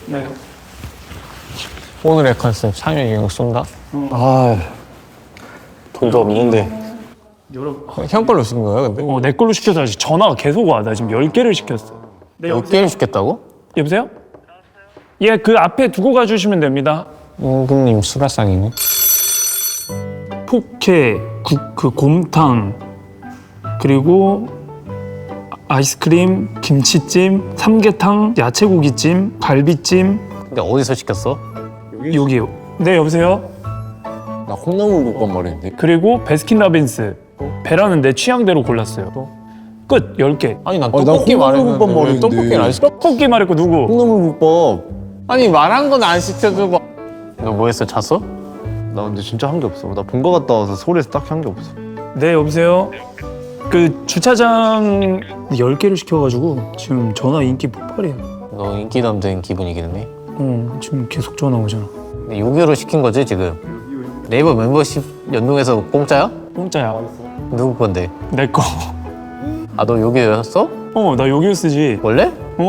네. 오늘의 컨셉 상혁이 형 쏜다? 돈도 없는데. 형 걸로 시킨 거야 근데? 내 걸로 시켜서 전화가 계속 와. 나 지금 10개를 시켰어. 네, 몇 개를 시켰다고? 여보세요? 예, 그 앞에 두고 가주시면 됩니다. 임금님 수라상이네. 포케, 그 곰탕, 그리고 아이스크림, 김치찜, 삼계탕, 야채고기찜, 갈비찜. 근데 어디서 시켰어? 여기요. 네, 여보세요? 나 콩나물 국밥 말했는데. 그리고 베스킨라빈스. 베라는 내 취향대로 골랐어요. 끝, 10개. 아니 난 나 떡볶이 콩나물국밥 말했는데 왜 말했는데. 떡볶이를 안 시켜? 떡볶이 말했고 누구? 콩나물 국밥. 아니 말한 건 안 시켜주고. 너 뭐 했어? 잤어? 나 근데 진짜 한 게 없어. 나 본가 갔다 와서 서울에서 딱 한 게 없어. 네, 여보세요? 그 주차장 10개를 시켜가지고 지금 전화 인기 폭발이야. 너 인기 남자인 기분이겠네. 지금 계속 전화 오잖아. 6유로 시킨 거지 지금? 네이버 멤버십 연동해서 공짜야? 공짜야. 누구 건데? 내 거. 아 너 6유였어? 나 여기로 쓰지. 원래?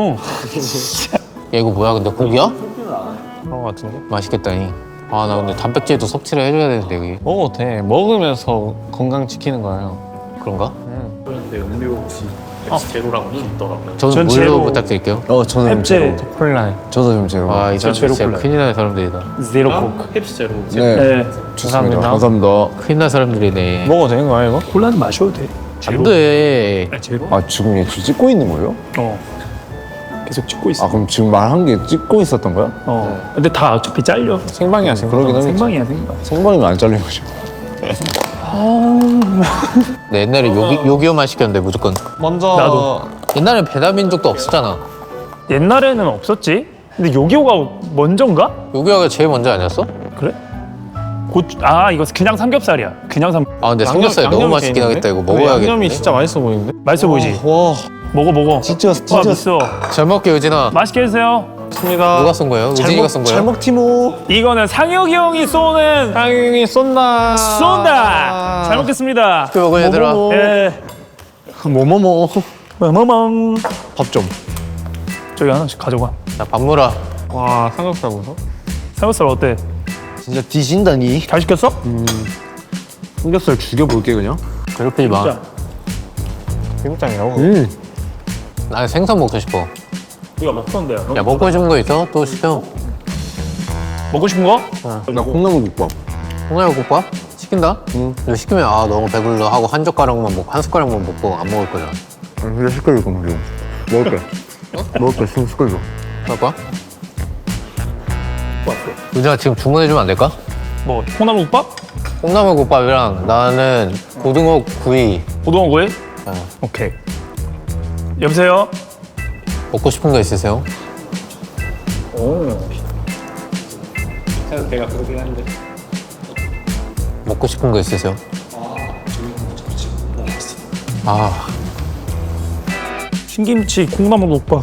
어. 야 이거 뭐야 근데 고기야? 그런 거 같은데? 맛있겠다니. 아 나 근데 단백질도 섭취를 해줘야 되는데 여기. 먹어도 돼. 먹으면서 건강 지키는 거예요. 그런가? 그런데 음료 혹시 제로라고 있더라고요. 저는 전 물로 제로. 부탁드릴게요. 저는 햅제 콜라. 저도 좀 제로. 아, 이 사람 제로 진짜 콜라. 큰일 나는 사람들이다. 제로 코크. 펩시 제로. 네. 네. 좋습니다. 감사합니다. 큰일 난 사람들이네. 먹어도 되는 거야 이거? 콜라는 마셔도 돼. 안 돼. 제로? 아 지금 얘 지금 찍고 있는 거예요? 계속 찍고 있어. 아 그럼 지금 말한 게 찍고 있었던 거야? 근데 다 어차피 잘려. 생방이야 생방. 그러긴 하겠지. 생방이야 생방. 생방이면 안 잘리는 거죠. 네, 옛날에 요기요만 시켰는데 무조건. 먼저 나도. 옛날엔 배달민족도 없었잖아. 옛날에는 없었지. 근데 요기요가 먼저인가? 요기요가 제일 먼저 아니었어? 그래? 이거 그냥 삼겹살이야. 그냥 아 근데 삼겹살 너무 맛있긴 하겠다. 이거 먹어야겠는데. 양념이 진짜 맛있어 보이는데? 맛있어 보이지? 와 먹어. 진짜 와, 있어. 잘 먹게 의진아. 맛있게 드세요. 누가 쏜 거예요? 의진이가 쏜 거예요? 잘 먹티모. 이거는 상혁이 형이 쏘는 상윤이 쏜다. 쏜다. 잘 먹겠습니다. 그 먹어 얘들아. 예. 뭐뭐뭐. 멍멍. 밥 좀. 저기 하나씩 가져가. 자 밥 물어. 와 삼겹살 보소. 삼겹살 어때? 진짜 뒤진다니. 잘 시켰어? 삼겹살 죽여볼게 그냥. 괴롭히지 마. 진짜. 비빔장이라고. 난 생선 먹고 싶어. 우리가 먹던데요. 야 먹고 싶은 거 있어? 또 시켜. 먹고 싶은 거? 나 콩나물 국밥. 콩나물국밥? 시킨다? 이거 시키면 아 너무 배불러 하고 한 젓가락만 먹고 한 숟가락만 먹고 안 먹을 거잖아. 진짜 시끌릴 거면 지금. 먹을게. 먹을게. 지금 시끌려. 그럴 거야? 의진아 지금 주문해주면 안 될까? 뭐 콩나물국밥? 콩나물국밥이랑 나는 고등어 구이. 고등어 구이? 어. 오케이. 여보세요? 먹고 싶은 거 있으세요? 내가 그러긴 한데. 먹고 싶은 거 있으세요? 아 신김치 콩나물국밥.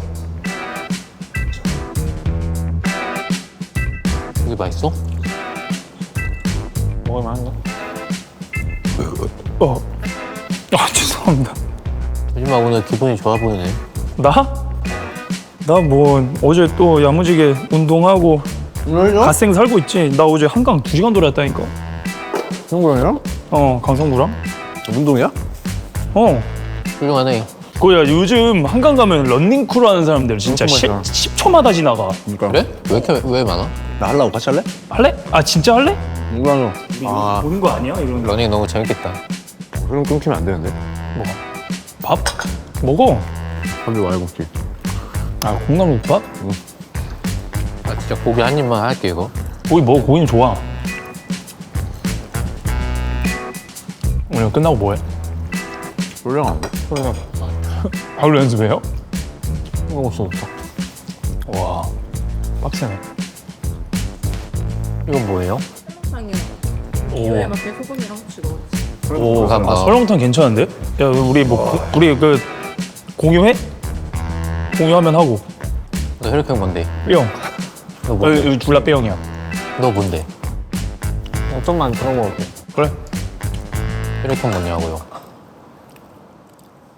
이게 맛있어? 먹을만 한가? 죄송합니다. 요즘 오늘 기분이 좋아 보이네. 나? 나 뭐 어제 또 야무지게 운동하고 갓생 살고 있지. 나 어제 한강 2시간 돌았다니까. 형부랑이랑? 강성구랑. 운동이야? 훌륭하네. 그야 요즘 한강 가면 런닝크루 하는 사람들 진짜 엄청 많잖아. 10초마다 지나가. 그러니까. 그래? 왜 많아? 나 하려고 같이 할래? 할래? 아 진짜 할래? 운동하려. 보는 거 아니야? 이런 거. 러닝 너무 재밌겠다. 그럼 끊기면 안 되는데. 밥? 먹어. 밥이 많이 먹지. 콩나물국밥? 아 진짜 고기 한 입만 할게 이거. 고기 먹어. 고기는 좋아. 오늘 끝나고 뭐해? 롤량 안 돼? 바로 연습해요? 먹을 수 없어. 와 빡세네. 이건 뭐예요? 설렁탕이요. 오. 이거에 맞게 소금이랑 후추 넣어주세요. 오 감사합니다. 설렁탕 괜찮은데? 야 우리 우리 그 공유해? 공유하면 하고. 너 혈액형 뭔데? B형. 너 뭔데? 여기 둘 다 B형이야. 너 뭔데? 좀만 들어 먹을게. 그래? 혈액형 뭐냐고요?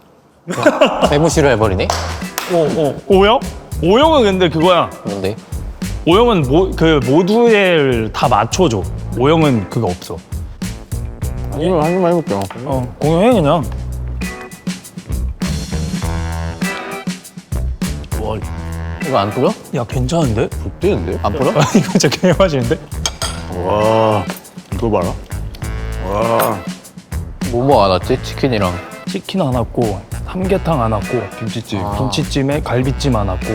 배무시를 해버리네? O형? O형은 근데 그거야. 뭔데? 오형은 그 모두에 다 맞춰줘. 오형은 그거 없어. 이거 한 입만 해볼게요. 공유해 그냥. 와, 이거 안 뿌려? 야 괜찮은데? 뛰는데? 안 뿌려? 이거 진짜 개맛있는데? 와, 이거 봐라. 와, 뭐뭐 안 왔지? 치킨이랑. 치킨 안 왔고 삼계탕 안 왔고 김치찜. 김치찜에 갈비찜 안 왔고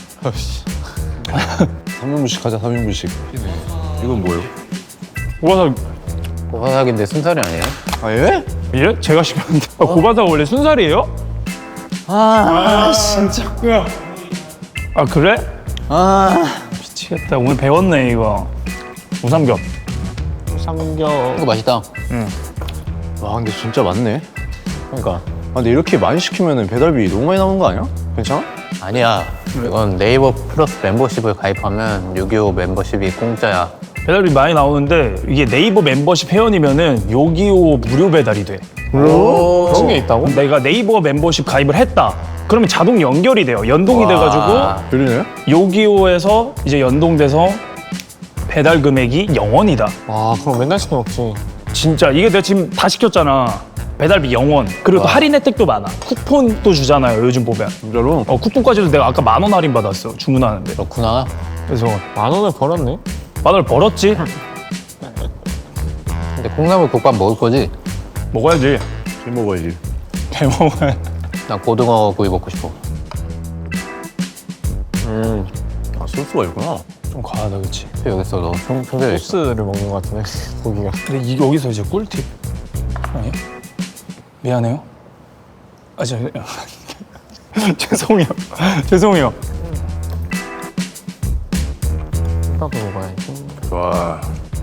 3인분씩 하자, 3인분씩. 이건 뭐예요? 고바사 고사삭인데 순살이 아니에요? 아, 예? 예? 제가 시켰는데 고바사 원래 순살이에요? 진짜 아 그래? 미치겠다 오늘 배웠네 이거 우삼겹 삼겹. 이거 맛있다. 와, 근데 진짜 많네. 그러니까. 아, 근데 이렇게 많이 시키면 배달비 너무 많이 나오는 거 아니야? 괜찮아? 아니야. 이건 네이버 플러스 멤버십을 가입하면 625 멤버십이 공짜야. 배달비 많이 나오는데 이게 네이버 멤버십 회원이면은 요기요 무료 배달이 돼. 그런 게 있다고? 내가 네이버 멤버십 가입을 했다. 그러면 자동 연결이 돼요. 연동이 돼가지고 들리네? 요기요에서 이제 연동돼서 배달 금액이 0원이다. 와, 그럼 맨날 시켜 먹지. 진짜 이게 내가 지금 다 시켰잖아. 배달비 0원. 그리고 또 할인 혜택도 많아. 쿠폰도 주잖아요. 요즘 보면. 진짜로? 쿠폰까지도 내가 아까 10,000원 할인 받았어. 주문하는데. 그렇구나. 그래서 10,000원을 벌었네. 10,000원을 벌었지. 근데 콩나물 국밥 먹을 거지? 먹어야지. 술 먹어야지. 배 먹어야. 나 고등어 구이 먹고 싶어. 아, 소스가 있구나. 좀 과하다, 그치? 여기서 너 총대를 소스를 먹는 것 같은데, 고기가. 근데 이게 여기서 이제 꿀팁. 아니요? 미안해요. 아, 죄송해요. 죄송해요. 볶아서 먹어야지. 와.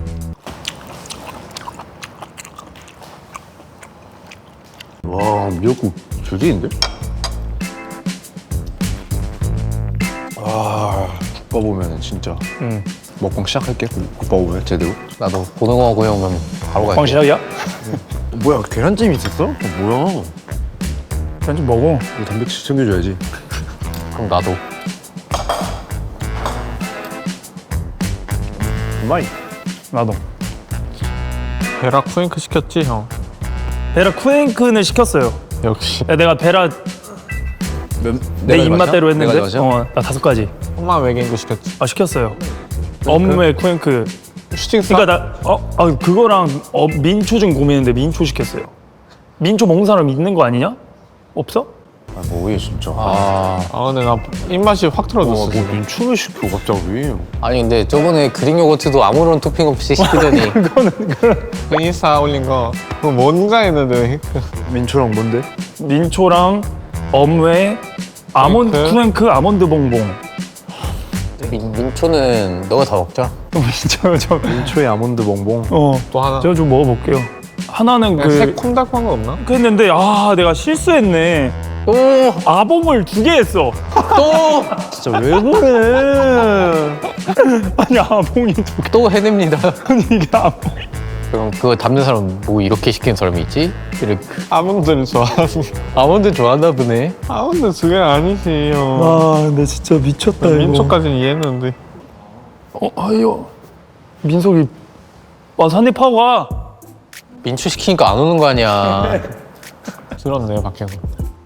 와, 미역국 조지인데? 아, 국밥 오면은 진짜 먹방 시작할게. 국밥 오면 제대로. 나도 고등어 구이 오면 바로 빵 갈게. 시작이야? 뭐야, 계란찜이 있었어? 뭐야? 그냥 좀 먹어. 이거 단백질 챙겨줘야지. 그럼 나도. 마이. 나도. 베라 쿠잉크 시켰지, 형? 베라 쿠앤크는 시켰어요. 역시. 야, 내가 베라 내 입맛대로 했는데. 나 5가지. 엄마 외계인도 시켰지. 아, 시켰어요. 업무의 쿠앤크. 슈팅스. 그러니까 그거랑 민초 좀 고민했는데 민초 시켰어요. 민초 먹는 사람 있는 거 아니냐? 없어? 아, 뭐해 진짜. 근데 나 입맛이 확 틀어졌어. 뭐 지금. 민초를 시켜 갑자기. 아니 근데 저번에 그릭 요거트도 아무런 토핑 없이 시키더니 그 인스타 올린 거 그거 뭔가 했는데 민초랑 뭔데? 민초랑 업무의 아몬드 쿠앤크 아몬드 봉봉. 민초는 너가 다 먹자. 민초 민초의 아몬드 봉봉. 또 하나. 제가 좀 먹어볼게요. 하나는 그냥 새콤달콤한 거 없나? 했는데 내가 실수했네. 또 아봉을 2개 했어. 진짜 왜 그래? 아니 아봉이 2개. 또 해냅니다. 아니 이게 아봉. 그럼 그거 담는 사람 뭐 이렇게 시키는 사람이 있지? 이렇게 아몬드를 좋아하는. 아몬드 좋아하나 보네. 아몬드 2개 아니지 형. 아 근데 진짜 미쳤다 이거. 민초까지는 이해했는데. 아유 민석이 와서 한입 하고 와. 민초 시키니까 안 오는 거 아니야. 들었네 밖에서.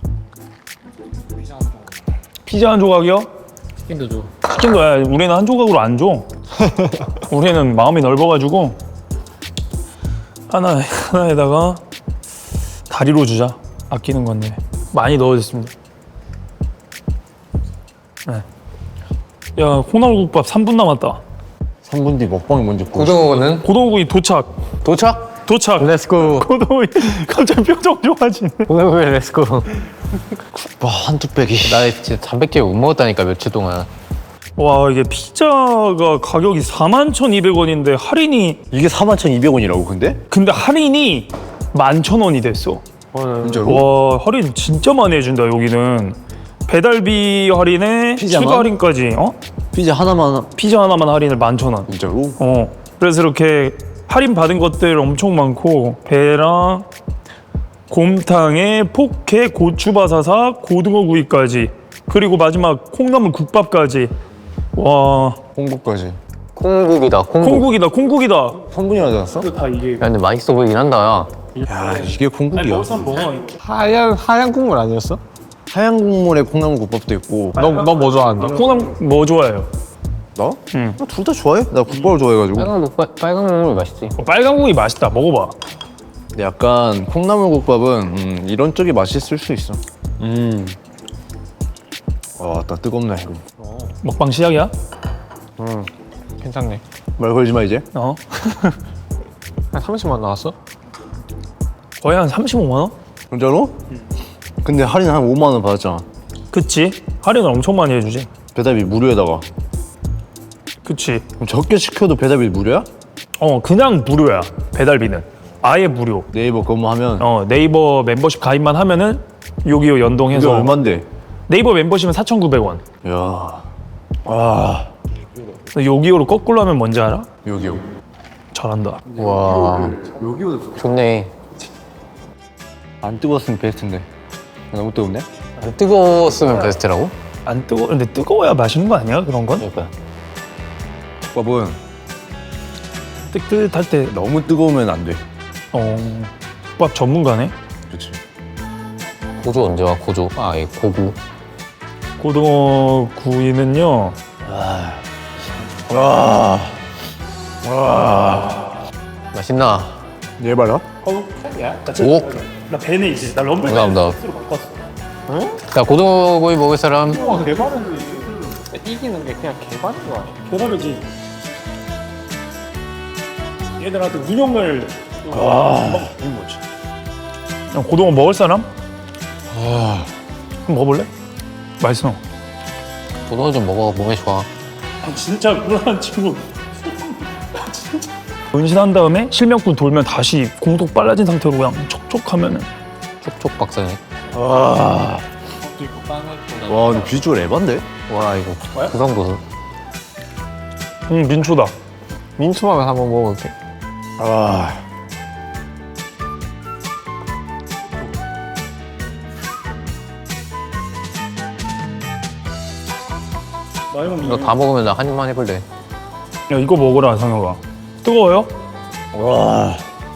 피자 한 조각이요? 치킨도 줘. 치킨도 우리는 한 조각으로 안 줘. 우리는 마음이 넓어가지고 하나에다가 다리로 주자. 아끼는 건데 많이 넣어줬습니다. 네. 야 콩나물국밥 3분 남았다. 3분 뒤 먹방이 뭔지 보고 싶어. 고등어는 고등어구이 도착. 도착. 렛츠고. 고등어구이 갑자기 표정 좋아지네. 고등어구이 렛츠고. 와, 한두 빼기. 나 진짜 단백질 못 먹었다니까 며칠 동안. 와 이게 피자가 가격이 41,200원인데 할인이 이게 41,200원이라고 근데 할인이 11,000원이 됐어. 진짜로? 와 할인 진짜 많이 해준다 여기는. 배달비 할인에 피자만? 추가 할인까지. 피자 하나만 피자 하나만 할인을 11,000원. 진짜로? 그래서 이렇게 할인 받은 것들 엄청 많고 배랑 곰탕에 포케 고추바사삭 고등어구이까지 그리고 마지막 콩나물 국밥까지. 와 콩국까지. 콩국이다 콩국. 콩국이다 콩국이다. 성분이 나지 않았어? 다 이게. 야 근데 맛있어 보이긴 한다 야. 야 이게 콩국이야. 하얀 국물 아니었어? 하얀 국물에 콩나물국밥도 있고. 너 뭐 좋아한다? 콩나물 뭐 좋아해요? 나? 응. 둘 다 좋아해. 나 국밥을 좋아해가지고. 빨간 국물 맛있지. 빨간 국이 맛있다. 먹어봐. 근데 약간 콩나물국밥은 이런 쪽이 맛있을 수 있어. 나 뜨겁네 이거. 먹방 시작이야? 괜찮네. 말 걸지 마 이제. 어. 한 30만 나왔어? 거의 한 35만 원? 진짜로? 근데 할인 한 5만 원 받았잖아. 그치. 할인을 엄청 많이 해주지. 배달비 무료에다가. 그치. 그럼 적게 시켜도 배달비 무료야? 그냥 무료야. 배달비는. 아예 무료. 네이버 그거만 하면. 네이버 멤버십 가입만 하면은 요기요 연동해서. 이게 얼만데? 네이버 멤버십은 4,900원. 야. 아. 요기요로 거꾸로 하면 뭔지 알아? 여기요. 잘한다. 와. 좋네. 안 뜨거웠으면 베스트인데. 너무 뜨겁네. 안 뜨거웠으면 베스트라고? 안 뜨거. 근데 뜨거워야 맛있는 거 아니야? 그런 건? 그러니까. 국밥은 뜨뜻할 때. 너무 뜨거우면 안 돼. 국밥 전문가네. 그렇지. 고조 언제 와 고조? 아 예, 고구. 고등어 구이는요. 와. 맛있나? 얘 봐라. 오. 나 배네 이제. 나 럼블 감사합니다. 자 고등어 구이 먹을 사람. 이기는 게 그냥 개발인 거 아니야? 대단하지. 얘들한테 운영을 이거 뭐지? 그냥 고등어 먹을 사람? 그럼 먹어볼래? 맛있어. 고등어 좀 먹어 몸에 좋아. 진짜 불안한 친구. 진짜. 은신한 다음에 실명꾼 돌면 다시 공속 빨라진 상태로 그냥 촉촉하면은. 촉촉 박사네. 와, 근데 비주얼 에반데? 와 이거 그 정도는. 민초다. 민초만 한번 먹어볼게. 아. 이거 다 먹으면 나 한 입만 해볼래. 야 이거 먹어라 상혁아. 뜨거워요? 와.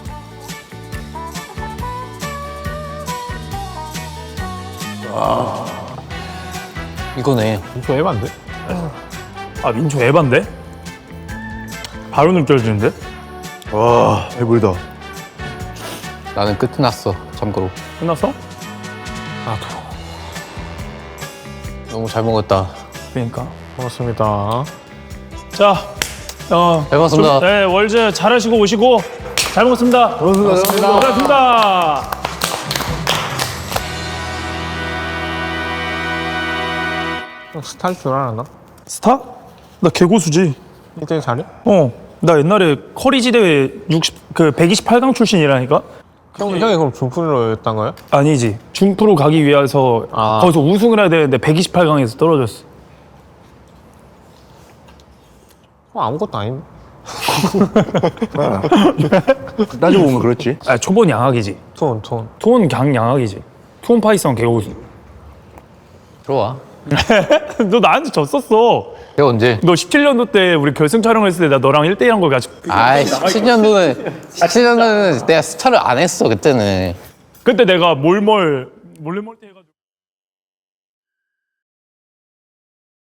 이거네. 민초 해봤는데? 아 민초 에반데? 바로 느껴지는데? 와, 배불다. 나는 끝났어. 참고로. 끝났어? 너무 잘 먹었다. 그러니까. 고맙습니다. 자, 잘 먹었습니다. 네 월즈 잘하시고 오시고 잘 먹었습니다. 고맙습니다. 스타일 줄 알았나? 스타? 나 개고수지. 1등 잘해? 나 옛날에 커리지 대회 128강 출신이라니까? 형이 그럼 준프로였단 거야? 아니지. 준프로 가기 위해서 거기서 우승을 해야 되는데 128강에서 떨어졌어. 아무것도 아닌데? 따지고 보면 그렇지. 아 초본 양악이지. 톤. 투혼 강 양악이지. 투혼 파이썬 개고수. 들어와. 너 나한테 졌었어. 내가 언제? 너 17년도 때 우리 결승 촬영했을 때 나 너랑 1대1 한 거 가지고. 아이 17년도는 내가 스타를 안 했어 그때는. 그때 내가 몰래 해가지고.